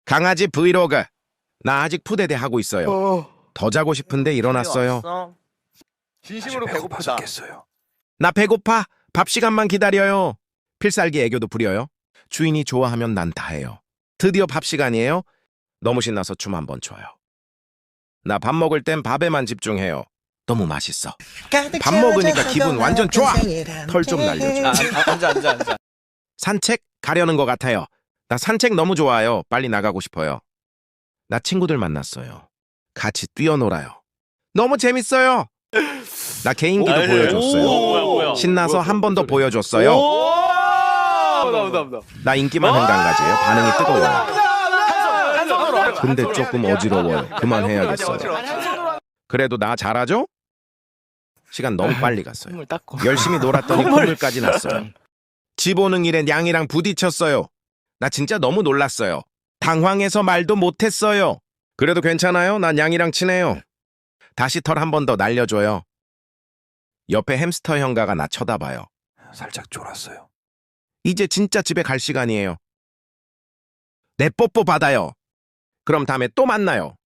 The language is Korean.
강아지 브이로그. 나 아직 푸대대 하고 있어요. 더 자고 싶은데 일어났어요. 왔어? 진심으로 배고프다. 나 배고파. 밥 시간만 기다려요. 필살기 애교도 부려요. 주인이 좋아하면 난 다 해요. 드디어 밥 시간이에요. 너무 신나서 춤 한번 춰요. 나 밥 먹을 땐 밥에만 집중해요. 너무 맛있어. 밥 먹으니까 기분 완전 좋아. 털 좀 날려줘. 앉아. 산책 가려는 것 같아요. 나 산책 너무 좋아요. 빨리 나가고 싶어요. 나 친구들 만났어요. 같이 뛰어놀아요. 너무 재밌어요. 나 개인기도 보여줬어요. 뭐야. 신나서 한 번 더 보여줬어요. 나온다. 나 인기만 한강가지예요. 반응이 뜨거워요. 한 손으로. 근데 조금 어지러워요. 그만해야겠어요. 그래도 나 잘하죠? 시간 너무 빨리 갔어요. 콧물 닦고. 열심히 놀았더니 콧물까지 났어요. 집 오는 길에 냥이랑 부딪혔어요. 나 진짜 너무 놀랐어요. 당황해서 말도 못했어요. 그래도 괜찮아요. 난 냥이랑 친해요. 다시 털 한 번 더 날려줘요. 옆에 햄스터 형가가 나 쳐다봐요. 살짝 졸았어요. 이제 진짜 집에 갈 시간이에요. 내 뽀뽀 받아요. 그럼 다음에 또 만나요.